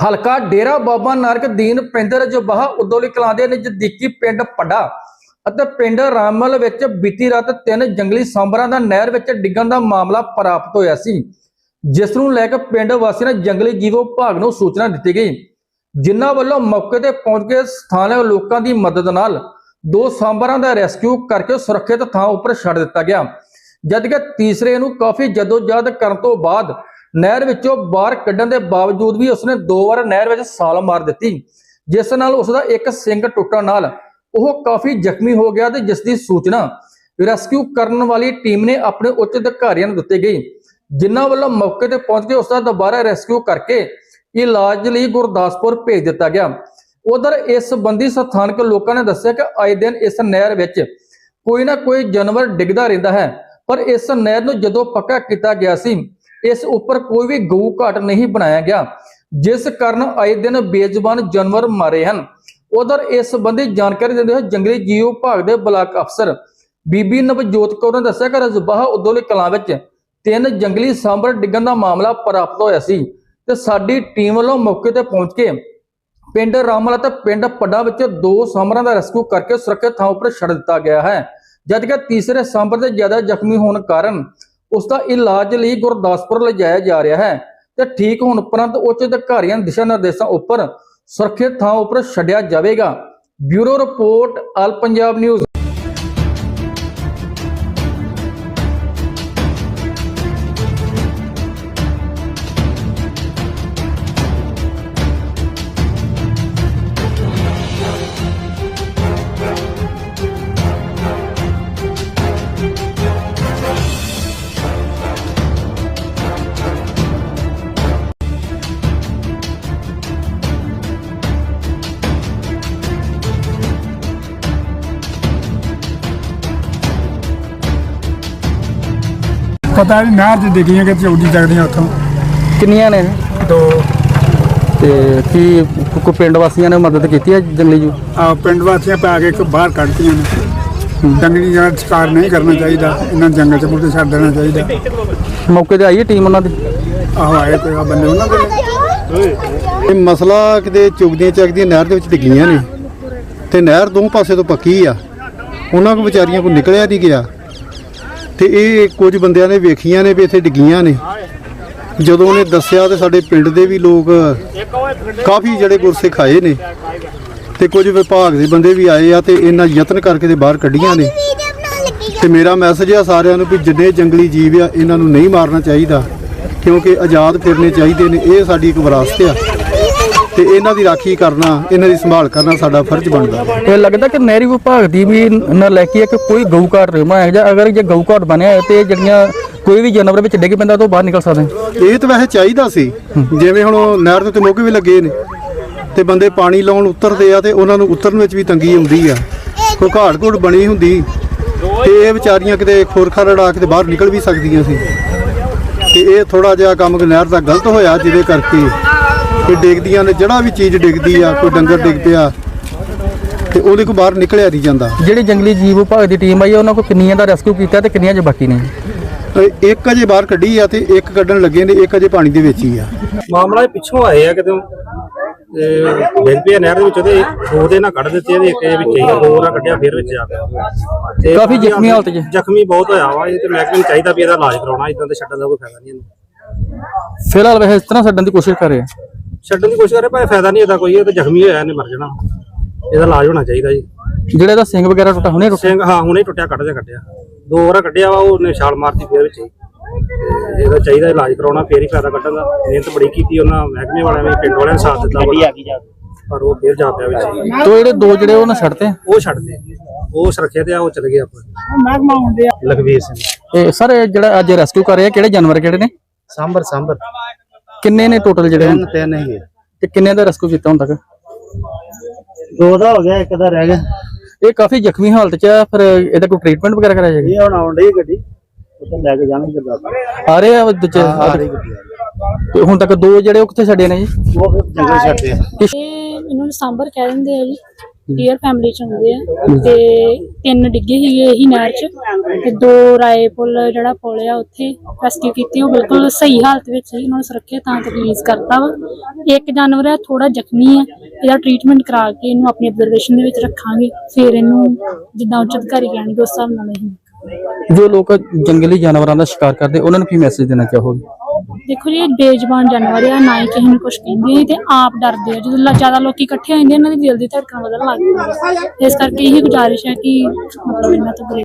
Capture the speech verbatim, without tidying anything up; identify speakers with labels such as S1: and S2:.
S1: ਹਲਕਾ ਡੇਰਾ ਬਾਬਾ ਨਾਨਕ ਦੀਨ ਪਿੰਡ ਰਜਬਾਹਾ ਉਦੋਲੀ ਕਲਾਂ ਦੇ ਨਜ਼ਦੀਕੀ ਪਿੰਡ ਪੱਡਾ ਅਤੇ ਪਿੰਡ ਰਾਮਲ ਵਿੱਚ ਬੀਤੀ ਰਾਤ ਤਿੰਨ ਜੰਗਲੀ ਸਾਂਭਰਾਂ ਦਾ ਨਹਿਰ ਵਿੱਚ ਡਿੱਗਣ ਦਾ ਮਾਮਲਾ ਪ੍ਰਾਪਤ ਹੋਇਆ ਸੀ, ਜਿਸ ਨੂੰ ਲੈ ਕੇ ਪਿੰਡ ਵਾਸੀਆਂ ਨੇ ਜੰਗਲੀ ਜੀਵ ਵਿਭਾਗ ਨੂੰ ਸੂਚਨਾ ਦਿੱਤੀ ਗਈ, ਜਿਨ੍ਹਾਂ ਵੱਲੋਂ ਮੌਕੇ ਤੇ ਪਹੁੰਚ ਕੇ ਸਥਾਨਕ ਲੋਕਾਂ ਦੀ ਮਦਦ ਨਾਲ ਦੋ ਸਾਂਭਰਾਂ ਦਾ ਰੈਸਕਿਊ ਕਰਕੇ ਸੁਰੱਖਿਅਤ ਥਾਂ ਉੱਪਰ ਛੱਡ ਦਿੱਤਾ ਗਿਆ, ਜਦਕਿ ਤੀਸਰੇ ਨੂੰ ਕਾਫੀ ਜਦੋਜਹਿਦ ਕਰਨ ਤੋਂ ਬਾਅਦ ਨਹਿਰ ਵਿੱਚੋਂ ਬਾਹਰ ਕੱਢਣ ਦੇ ਬਾਵਜੂਦ ਵੀ ਉਸਨੇ ਦੋ ਵਾਰ ਨਹਿਰ ਵਿੱਚ ਛਾਲ ਮਾਰ ਦਿੱਤੀ, ਜਿਸ ਨਾਲ ਉਸ ਦਾ ਇੱਕ ਸਿੰਗ ਟੁੱਟਣ ਨਾਲ ਉਹ ਕਾਫੀ ਜ਼ਖਮੀ ਹੋ ਗਿਆ ਤੇ ਜਿਸ ਦੀ ਸੂਚਨਾ ਰੈਸਕਿਊ ਕਰਨ ਵਾਲੀ ਟੀਮ ਨੇ ਆਪਣੇ ਉੱਚ ਅਧਿਕਾਰੀਆਂ ਨੂੰ ਦਿੱਤੀ ਗਈ, ਜਿਨ੍ਹਾਂ ਵੱਲੋਂ ਮੌਕੇ ਤੇ ਪਹੁੰਚ ਕੇ ਉਸ ਦਾ ਦੁਬਾਰਾ ਰੈਸਕਿਊ ਕਰਕੇ ਇਲਾਜ ਲਈ ਗੁਰਦਾਸਪੁਰ ਭੇਜ ਦਿੱਤਾ ਗਿਆ। ਉਧਰ ਇਸ ਸੰਬੰਧੀ ਸਥਾਨਕ ਲੋਕਾਂ ਨੇ ਦੱਸਿਆ ਕਿ ਆਏ ਦਿਨ ਇਸ ਨਹਿਰ ਵਿੱਚ ਕੋਈ ਨਾ ਕੋਈ ਜਾਨਵਰ ਡਿੱਗਦਾ ਰਹਿੰਦਾ ਹੈ, ਪਰ ਇਸ ਨਹਿਰ ਨੂੰ ਜਦੋਂ ਪੱਕਾ ਕੀਤਾ ਗਿਆ ਸੀ ਇਸ ਉੱਪਰ ਕੋਈ ਵੀ ਗਊ ਘਾਟ ਨਹੀਂ ਬਣਾਇਆ ਗਿਆ, ਜਿਸ ਕਾਰਨ ਆਏ ਦਿਨ ਬੇਜ਼ੁਬਾਨ ਜਾਨਵਰ ਮਾਰੇ ਹਨ। ਉਧਰ ਇਸ ਸੰਬੰਧੀ ਜਾਣਕਾਰੀ ਦਿੰਦੇ ਹੋਏ ਜੰਗਲੀ ਜੀਵ ਵਿਭਾਗ ਦੇ ਬਲਾਕ ਅਫਸਰ ਬੀਬੀ ਨਵਜੋਤ ਕੌਰ ਨੇ ਦੱਸਿਆ ਕਿ ਰਜਬਾਹਾ ਉਦੋਲੀ ਕਲਾਂ ਵਿੱਚ ਤਿੰਨ ਜੰਗਲੀ ਸਾਂਭਰ ਡਿੱਗਣ ਦਾ ਮਾਮਲਾ ਪ੍ਰਾਪਤ ਹੋਇਆ ਸੀ ਤੇ ਸਾਡੀ ਟੀਮ ਵੱਲੋਂ ਮੌਕੇ ਤੇ ਪਹੁੰਚ ਕੇ ਪਿੰਡ ਰਾਮਲ ਅਤੇ ਪਿੰਡ ਪੱਡਾ ਵਿੱਚ ਦੋ ਸਾਂਭਰਾਂ ਦਾ ਰੈਸਕਿਊ ਕਰਕੇ ਸੁਰੱਖਿਅਤ ਥਾਂ ਉੱਪਰ ਛੱਡ ਦਿੱਤਾ ਗਿਆ ਹੈ, ਜਦਕਿ ਤੀਸਰੇ ਸਾਂਭਰ ਦੇ ਜ਼ਿਆਦਾ ਜ਼ਖਮੀ ਹੋਣ ਕਾਰਨ ਉਸ ਦਾ ਇਲਾਜ ਲਈ ਗੁਰਦਾਸਪੁਰ ਲਿਜਾਇਆ ਜਾ ਰਿਹਾ ਹੈ ਤੇ ਠੀਕ ਹੋਣ ਉਪਰੰਤ ਉੱਚ ਅਧਿਕਾਰੀਆਂ ਦੇ ਦਿਸ਼ਾ ਨਿਰਦੇਸ਼ਾਂ ਉੱਪਰ ਸੁਰੱਖਿਅਤ ਥਾਂ ਉੱਪਰ ਛੱਡਿਆ ਜਾਵੇਗਾ। Bureau report all Punjab news.
S2: पता नहीं नहर च डिगियां कि चौदी जगदियां उतों
S1: ਕਿੰਨੀਆਂ ਨੇ
S2: दो
S1: ਤੇ ਕੀ ਕੋਈ ਪਿੰਡ ਵਾਸੀਆਂ ਨੇ ਮਦਦ ਕੀਤੀ ਹੈ ਜੰਗਲੀ ਜੀਵ?
S2: आ पिंड वासियां पै के एक बाहर कढ़तियां ने जंगली जानवर शिकार नहीं करना चाहिए, इन्हें जंगल च मुड़े छड़ देना चाहिए।
S1: ਮੌਕੇ ਤੇ ਆਈ ਹੈ ਟੀਮ ਉਹਨਾਂ ਦੀ?
S2: आहो आए कोई आ बंदे उन्होंने
S3: ਇਹ ਮਸਲਾ ਕਿਤੇ ਚੁਗਦੀਆਂ ਚੱਕਦੀਆਂ ਨਹਿਰ ਦੇ ਵਿੱਚ ਡਿੱਗੀਆਂ ਨੇ ਤੇ ਨਹਿਰ ਦੋ ਪਾਸੇ ਤੋਂ ਪੱਕੀ ਆ, ਉਹਨਾਂ ਕੋ ਵਿਚਾਰੀਆਂ ਕੋ ਨਿਕਲਿਆ ਨਹੀਂ ਗਿਆ ਤੇ ਇਹ ਕੁਝ ਬੰਦਿਆਂ ਨੇ ਵੇਖੀਆਂ ਨੇ ਵੀ ਇੱਥੇ ਡਿੱਗੀਆਂ ਨੇ। ਜਦੋਂ ਉਹਨੇ ਦੱਸਿਆ ਤੇ ਸਾਡੇ ਪਿੰਡ ਦੇ ਵੀ ਲੋਕ ਕਾਫੀ ਜਿਹੜੇ ਗੁਰਸਿੱਖ ਆਏ ਨੇ ਤੇ ਕੁਝ ਵਿਭਾਗ ਦੇ ਬੰਦੇ ਵੀ ਆਏ ਆ ਤੇ ਇਹਨਾਂ ਯਤਨ ਕਰਕੇ ਤੇ ਬਾਹਰ ਕੱਢੀਆਂ ਨੇ। ਤੇ ਮੇਰਾ ਮੈਸੇਜ ਆ ਸਾਰਿਆਂ ਨੂੰ ਵੀ ਜਿੰਨੇ ਜੰਗਲੀ ਜੀਵ ਆ ਇਹਨਾਂ ਨੂੰ ਨਹੀਂ ਮਾਰਨਾ ਚਾਹੀਦਾ, ਕਿਉਂਕਿ ਆਜ਼ਾਦ ਫਿਰਨੇ ਚਾਹੀਦੇ ਨੇ, ਇਹ ਸਾਡੀ ਇੱਕ ਵਿਰਾਸਤ ਆ ਤੇ ਇਹਨਾਂ ਦੀ ਰਾਖੀ ਕਰਨਾ, ਇਹਨਾਂ ਦੀ ਸੰਭਾਲ ਕਰਨਾ ਸਾਡਾ ਫਰਜ਼ ਬਣਦਾ।
S1: ਇਹ ਲੱਗਦਾ ਕਿ ਨਹਿਰੀ ਵਿਭਾਗ ਦੀ ਵੀ ਨਲਾਇਕੀ ਹੈ ਕਿ ਕੋਈ ਗਊ ਘਾਟ ਰਮਾਇਆ ਜਾਂ ਅਗਰ ਜੇ ਗਊ ਘਾਟ ਬਣਿਆ ਤੇ ਜਿਹੜੀਆਂ ਕੋਈ ਵੀ ਜਾਨਵਰ ਵਿੱਚ ਡਿੱਗ ਪੈਂਦਾ ਤਾਂ ਬਾਹਰ ਨਿਕਲ ਸਕਦੇ।
S3: ਇਹ ਤਾਂ ਵੈਸੇ ਚਾਹੀਦਾ ਸੀ, ਜਿਵੇਂ ਹੁਣ ਨਹਿਰ ਦੇ ਉੱਤੇ ਮੋਗੇ ਵੀ ਲੱਗੇ ਨੇ ਤੇ ਬੰਦੇ ਪਾਣੀ ਲਾਉਣ ਉਤਰਦੇ ਆ ਤੇ ਉਹਨਾਂ ਨੂੰ ਉਤਰਨ ਵਿੱਚ ਵੀ ਤੰਗੀ ਆਉਂਦੀ ਆ, ਕੋਈ ਘਾਟ ਘੁੱਟ ਬਣੀ ਹੁੰਦੀ ਤੇ ਇਹ ਵਿਚਾਰੀਆਂ ਕਿਤੇ ਖੋਰਖਾ ਰੜਾ ਕੇ ਬਾਹਰ ਨਿਕਲ ਵੀ ਸਕਦੀਆਂ ਸੀ। ਤੇ ਇਹ ਥੋੜਾ ਜਿਹਾ ਕੰਮ ਨਹਿਰ ਦਾ ਗਲਤ ਹੋਇਆ, ਜਿਹਦੇ ਕਰਕੇ ਕਿ ਡਿੱਗਦੀਆਂ ਨੇ, ਜਿਹੜਾ ਵੀ ਚੀਜ਼ ਡਿੱਗਦੀ ਆ, ਕੋਈ ਡੰਗਰ ਡਿੱਗ ਪਿਆ ਤੇ ਉਹਦੇ ਕੋਲ ਬਾਹਰ ਨਿਕਲਿਆ ਨਹੀਂ ਜਾਂਦਾ।
S1: ਜਿਹੜੀ ਜੰਗਲੀ ਜੀਵ ਵਿਭਾਗ ਦੀ ਟੀਮ ਆਈ ਉਹਨਾਂ ਕੋਲ ਕਿੰਨੀਆਂ ਦਾ ਰੈਸਕਿਊ ਕੀਤਾ ਤੇ ਕਿੰਨੀਆਂ ਜੇ ਬਾਕੀ ਨੇ?
S3: ਇੱਕ ਅਜੇ ਬਾਹਰ ਕੱਢੀ ਆ ਤੇ ਇੱਕ ਕੱਢਣ ਲੱਗੇ ਨੇ, ਇੱਕ ਅਜੇ ਪਾਣੀ ਦੇ ਵਿੱਚ ਹੀ ਆ।
S4: ਮਾਮਲਾ ਪਿੱਛੋਂ ਆਏ ਆ ਕਿਤੇ ਡਿੱਗ ਪਿਆ ਨਹਿਰ ਦੇ ਵਿੱਚ ਤੇ ਦੋ ਦੇ ਨਾਲ ਕੱਢ ਦਿੱਤੇ ਤੇ ਇੱਕ ਦੇ ਵਿੱਚ ਹੀ ਦੋ ਨਾਲ ਕੱਢਿਆ, ਫਿਰ ਵਿੱਚ ਆ ਗਿਆ ਤੇ
S1: ਕਾਫੀ ਜ਼ਖਮੀ ਹਾਲਤ 'ਚ
S4: ਜ਼ਖਮੀ ਬਹੁਤ ਹੋਇਆ ਵਾ। ਇਹ ਤੇ ਮਹਿਕਮੇ ਨੂੰ ਚਾਹੀਦਾ ਵੀ ਇਹਦਾ ਇਲਾਜ ਕਰਾਉਣਾ, ਇਦਾਂ ਤੇ ਛੱਡਣ ਦਾ ਕੋਈ ਫਾਇਦਾ ਨਹੀਂ ਇਹਨੂੰ।
S1: ਫਿਲਹਾਲ ਵੈਸੇ ਇਸ ਤਰ੍ਹਾਂ ਛੱਡਣ ਦੀ ਕੋਸ਼ਿਸ਼ ਕਰ ਰਹੇ ਆ,
S4: ਛੱਡਣ ਦੀ ਕੋਸ਼ਿਸ਼ ਕਰੇ ਪਰ ਫਾਇਦਾ ਨਹੀਂ ਇਹਦਾ ਕੋਈ, ਇਹ ਤੇ ਜ਼ਖਮੀ ਹੋਇਆ ਇਹਨੇ ਮਰ ਜਾਣਾ, ਇਹਦਾ ਇਲਾਜ ਹੋਣਾ ਚਾਹੀਦਾ ਜੀ।
S1: ਜਿਹੜੇ ਦਾ ਸਿੰਘ ਵਗੈਰਾ ਟੁੱਟਾ ਹੁਣੇ ਟੁੱਟਿਆ?
S4: ਸਿੰਘ ਹਾਂ ਹੁਣੇ ਟੁੱਟਿਆ, ਕੱਢ ਦੇ ਕੱਢਿਆ, ਦੋ ਵਾਰ ਕੱਢਿਆ ਵਾ, ਉਹਨੇ ਛਾਲ ਮਾਰਤੀ ਫਿਰ ਵਿੱਚ ਹੀ। ਇਹਦਾ ਚਾਹੀਦਾ ਇਲਾਜ ਕਰਾਉਣਾ, ਫੇਰ ਹੀ ਫਾਇਦਾ ਕੱਢਣ ਦਾ। ਮਿਹਨਤ ਬੜੀ ਕੀਤੀ ਉਹਨਾਂ ਮਹਿਕਮੇ ਵਾਲਿਆਂ ਨੇ, ਪਿੰਡ ਵਾਲਿਆਂ ਨੇ ਸਾਥ ਦਿੱਤਾ ਪਰ ਉਹ ਫੇਰ ਜਾ ਪਿਆ ਵਿੱਚ।
S1: ਤੋ ਜਿਹੜੇ ਦੋ ਜਿਹੜੇ ਉਹਨਾਂ ਛੱਡਤੇ
S4: ਉਹ ਛੱਡਦੇ, ਉਹ ਸੁਰੱਖਿਅਤ ਆ, ਉਹ ਚਲੇ ਗਏ ਆਪਾਂ। ਲਖਵੀਰ ਸਿੰਘ।
S1: ਇਹ ਸਰ ਜਿਹੜਾ ਅੱਜ ਰੈਸਕਿਊ ਕਰ ਰਹੇ ਆ ਕਿਹੜੇ ਜਾਨਵਰ ਕਿਹੜੇ ਨੇ?
S4: ਸਾਂਬਰ ਸਾਂਬਰ
S1: ਕਿੰਨੇ ਨੇ ਟੋਟਲ ਜਿਹੜੇ?
S4: ਤਿੰਨ ਤਿੰਨ ਹੀ
S1: ਤੇ ਕਿੰਨੇ ਦਾ ਰੈਸਕਿਊ ਕੀਤਾ ਹੁਣ ਤੱਕ?
S4: ਦੋ ਦਾ ਹੋ ਗਿਆ, ਇੱਕ ਦਾ ਰਹਿ ਗਿਆ।
S1: ਇਹ ਕਾਫੀ ਜ਼ਖਮੀ ਹਾਲਤ 'ਚ ਆ, ਫਿਰ ਇਹਦਾ ਕੋਈ ਟ੍ਰੀਟਮੈਂਟ ਵਗੈਰਾ ਕਰਾਇਆ ਜਾਏਗਾ?
S4: ਇਹ ਹੁਣ ਆਉਣ ਡਈ ਗੱਡੀ, ਉੱਥੇ ਲੈ ਕੇ ਜਾਣਗੇ ਗੁਰਦਾਸਪੁਰ।
S1: ਆ ਰਹੇ ਆ ਦੂਜੇ ਤੇ ਹੁਣ ਤੱਕ ਦੋ ਜਿਹੜੇ ਉਹ ਕਿੱਥੇ ਛੱਡੇ ਨੇ ਜੀ?
S4: ਉਹ ਜੰਗਲ ਛੱਡਦੇ ਆ।
S5: ਇਹ ਇਹਨਾਂ ਨੂੰ ਸਾਂਬਰ ਕਹਿ ਦਿੰਦੇ ਆ ਜੀ। ਡੀਅਰ ਫੈਮਿਲੀ ਚ ਹੁੰਦੇ ਆ ਤੇ ਤਿੰਨ ਡਿੱਗੇ ਸੀਗੇ ਇਹੀ ਨਹਿਰ ਚ ਤੇ ਦੋ ਰਾਏ ਪੁੱਲ ਜਿਹੜਾ ਪੁੱਲ ਆ ਉੱਥੇ ਰੈਸਕਿਊ ਕੀਤੀ। ਉਹ ਬਿਲਕੁਲ ਸਹੀ ਹਾਲਤ ਵਿੱਚ ਸੀ, ਉਹਨਾਂ ਨੂੰ ਸੁਰੱਖਿਅਤ ਥਾਂ ਤੇ ਰਿਲੀਜ਼ ਕਰਤਾ ਵਾ। ਇੱਕ ਜਾਨਵਰ ਹੈ ਥੋੜਾ ਜ਼ਖਮੀ ਹੈ, ਇਹਦਾ ਟ੍ਰੀਟਮੈਂਟ ਕਰਾ ਕੇ ਇਹਨੂੰ ਆਪਣੀ ਅਬਜ਼ਰਵੇਸ਼ਨ ਦੇ ਵਿੱਚ ਰੱਖਾਂਗੇ, ਫਿਰ ਇਹਨੂੰ ਜਿੱਦਾਂ ਉੱਚ ਅਧਿਕਾਰੀ ਕਹਿਣਗੇ ਉਸ ਹਿਸਾਬ ਨਾਲ ਅਸੀਂ।
S1: ਜੋ ਲੋਕ ਜੰਗਲੀ ਜਾਨਵਰਾਂ ਦਾ ਸ਼ਿਕਾਰ ਕਰਦੇ ਉਹਨਾਂ ਨੂੰ ਕੀ ਮੈਸੇਜ ਦੇਣਾ ਚਾਹੋਗੇ?
S5: ਦੇਖੋ ਜੀ, ਇਹ ਬੇਜ਼ੁਬਾਨ ਜਾਨਵਰ ਆ, ਨਾ ਹੀ ਕਿਸੇ ਨੂੰ ਕੁਝ ਕਹਿੰਦੇ ਤੇ ਆਪ ਡਰਦੇ ਆ। ਜਦੋਂ ਲ- ਜ਼ਿਆਦਾ ਲੋਕੀ ਇਕੱਠੇ ਹੋ ਜਾਂਦੇ ਇਹਨਾਂ ਦੀ ਦਿਲ ਦੀ ਧੜਕਣ ਵਧਣ ਲੱਗ ਜਾਂਦੀ ਹੈ। ਇਸ ਕਰਕੇ ਇਹੀ ਗੁਜ਼ਾਰਿਸ਼ ਹੈ ਕਿ ਮਤਲਬ ਇਹਨਾਂ ਤੋਂ